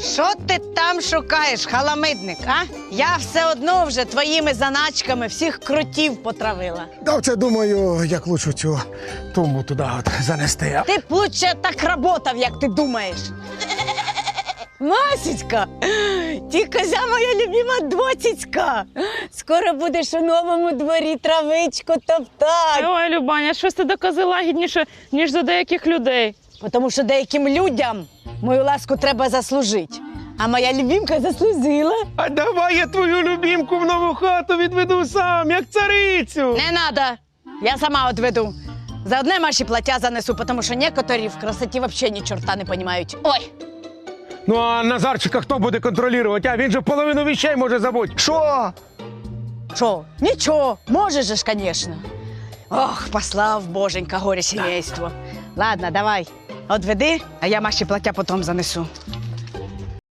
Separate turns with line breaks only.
Що ти там шукаєш, халамидник, а? Я все одно вже твоїми заначками всіх крутів потравила.
Да, це думаю, як лучше цю тумбу туди от занести.
Ти б лучше так работав, як ти думаєш. Масечка, ти козя моя любима доцяцька. Скоро будеш у новому дворі травичку топтати.
Ой, Любаня, щось ти до кози лагідніше, ніж до деяких людей.
Тому що деяким людям мою ласку треба заслужити. А моя любимка заслужила.
А давай я твою любімку в нову хату відведу сам, як царицю.
Не надо, я сама відведу. За одне Маші плаття занесу, тому що некоторі в красоті взагалі ні чорта не розуміють. Ой!
Ну а Назарчика хто буде контролювати? А він же половину вещей може забути.
Що?
Що? Нічого, можеш же ж, звісно. Ох, послав боженька горе сімейство. Ладно, давай, відведи, а я Маші плаття потім занесу.